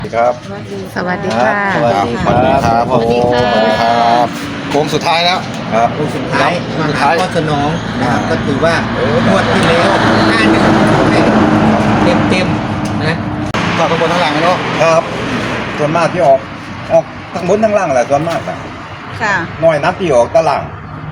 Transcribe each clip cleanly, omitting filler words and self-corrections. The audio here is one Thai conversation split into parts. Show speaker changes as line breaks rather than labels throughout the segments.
ครับ
สวัสดีค่ะ
สวัสดีครับผม
สวัสดีค่ะ
สวัสดีครับโค้งสุดท้ายแล้วครับ
ลูกสุดท้าย
ครับ
มาหาพ่อสนองนะครับก็ถือว่างวดที่แล้ว51เต็มๆนะ
ก็ข้างบนข้างล่างเนาะ
ครับส่วนมากที่ออกทั้งบนทั้งล่างแหละส่วนมากอะ
ค่ะ
น้อยนัดที่ออกตะล่าง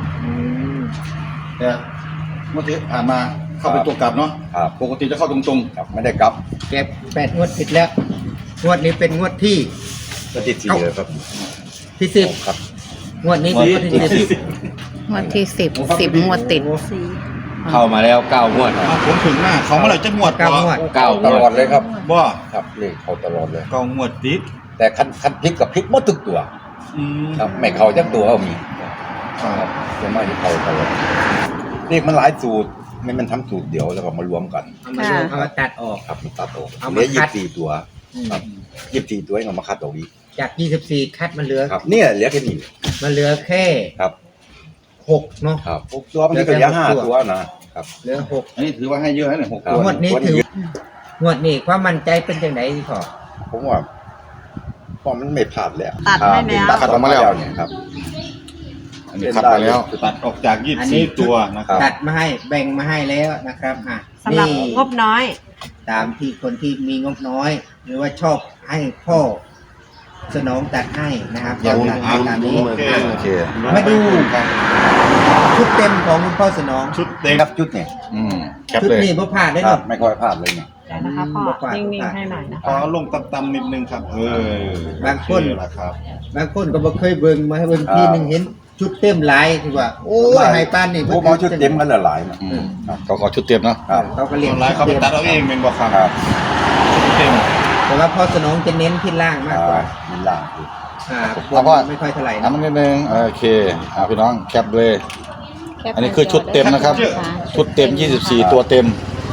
เนี่ยเมื่อกี้ผ่านมาเข้าเป็นตัวกลับเนาะ
ครับ
ปกติจะเข้าตรง
ครับไม่ได้กลับ
เก็บ8งวดติดแล้วงวดนี้เป็นงวดที่
ก็ติดสี่เลยครับ
ที่10
ครับ
งวดนี้เป็นงวดที่10
งวดที่10งวดติด
เข้ามาแล้ว9 งวด
ๆเอาผมถึงหน้าเขาเมื่อไหร่จะงวด
9งวด
ตลอดเลยครับ
บ่
ครับเลขเขาตลอดเลย
เก้างวดติด
แต่คันพลิกกับพลิกหมดทุกตัว
อืม
ครับไม่เขาจักตัวก็มี
ครับ
ส่วนมากที่เขาตลอดเลขมันหลายสูตรมันทำสูตรเดียวแล้วก็มารวมกัน
เอามาดูเอามาตัดออก
ครับมันตัดออก
เอา
เห
มา
ลือ
คัด
24ตัวครับ24ตัวเองเอามาคัดออกอีก
จาก24คัดมาเหลือ
ครับเนี่ยเหลือแค่นี้
มาเหลือแค่
ครับ
6เนาะ
ครับพวกตัวมันก็เหลือ5ตัวนะครับ
เหลือ6
อันนี้ถือว่าให้เยอะนะเนี่ย6
ครับ
ตัว
งวดนี้ถืองวดนี้ความมั่นใจเป็นจังไดพี่ขอ
ผมว่าพอมันไม่พลาดแล้ว
ตัดให้แล้ว
ตัดออกมาแล้วเนี่ยครับ
อันนี้คัดมาแล้วตัดออกจาก24ตัวนะครับ
ตัดมาให้แบ่งมาให้แล้วนะครับ
สำหรับ
นี่
งบน้อย
ตามที่คนที่มีงบน้อย หรือว่าชอบให้พ่อสนองตัดให้นะครับ
อย่า
ตัดให้ตามนี้
โอเค
โอเค
มาดูชุดเต็มของคุณพ่อสนอง
ชุดเต็ม
ครับชุดเนี่ย
แคป
ชุด
เลย
นี้พ่อผ่านได้
ค
หร
รั
อบ
ไม่ค่อยพลาดเลยเนี่ย
เดี๋ยวนะคะพ่อนิ่งๆให้หน่อยนะ
ขอลงต่ำๆนิดนึงครับ
บางคน
โอเละครับ
บางคนก็บ่เคยเบิ่งมาให้เบิ่งทีหนึงเห็นชุดเต็มหลายที่ว่า โอ้ยให้ปานนี่
พวกเขาชุดเต็มกันหลายๆนะ
ก็ขอชุดเต็มเนาะ
ครับ
เขาก็เรีย
ส่
ก
วนหลายเขาไปตัดเอาเองเป็นบ่ครับ
ครับ
ชุดเต็ม
แต่ว่าพ่อสนองจะเน้นที่ล่างมากกว่า
มีล่างคือ
บนไม่ค่อยเท่าไหร่
น้ำ
นะ
มันนิดนึงโอเคพี่น้องแคปเลย อันนี้คือชุดเต็มนะครับ ชุดเต็ม24ตัวเต็ม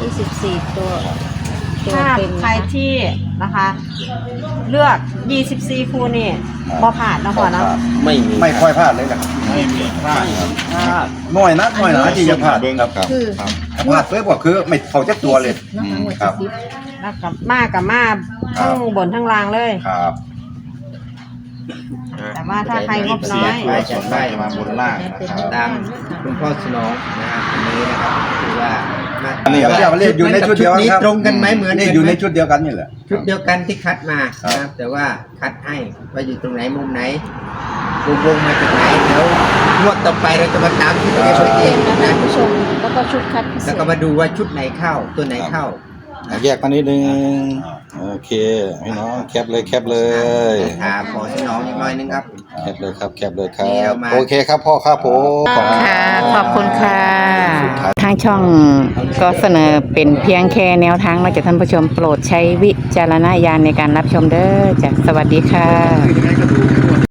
24ตัว
ถ้าใครที่นะคะ เลือก 24 คู่นี่บ่ผ่านเนาะพ่อเนาะ
ไม่ค่อยพลาดเลยนะครับ
ไม่มีพลาดครับ
น้อยนะที่จะพลาด
เบิ้ง
ครับ
ครับ
คือ
ถ้าพลาดเพิ่มก็คือไม่เขาจักตัวเลย ครับ
แล้วกับมาทั้งบนทั้งล่างเลย
ครับ
แต่ว่าถ้าใครงบน้อย
ตัวส่วนมากจะมาบนล่างนะครับ
ตามคุณพ่อสนองนะครับอันนี้นะครับคือว่ามา
อันนี้เรียกว่าอยู่ในชุดเดียวกัน
นี้
ครับ
ตรงกันไหมเหมือน
นี่
กั
อยู่ใน
ไหม
ชุดเดียวกันนี่แหละ
ชุดเดียวกันที่คัดมา
ครับ
นะครับ แต่ว่าคัดให้ว่าอยู่ตรงไหนมุมไหนวงมาจากไหนเดี๋ยวงวดต่อไปเราจะมาตามชุดเดียวกันเองนะ
ผู้ชมแล้วก็ชุดคัดพิเศ
แล้ว
ษ
ก็มาดูว่าชุดไหนเข้าตัวไหนเข้า
แยกมานิดนึงโอเคพี่น้องแคปเลยแคปเลย
ถามขอสนองอีกหน่อยนึงครับ
แคปเลยครับแคปเลยครั
นี่เรา
บ
มา
โอเคครับพ่อครับผมขอบคุณ
ค่ะ ขอบคุณค่ะ ทางช่องก็เสนอเป็นเพียงแค่แนวทางมาจากท่านผู้ชมโปรดใช้วิจารณญาณในการรับชมเด้อจ้ะสวัสดีค่ะ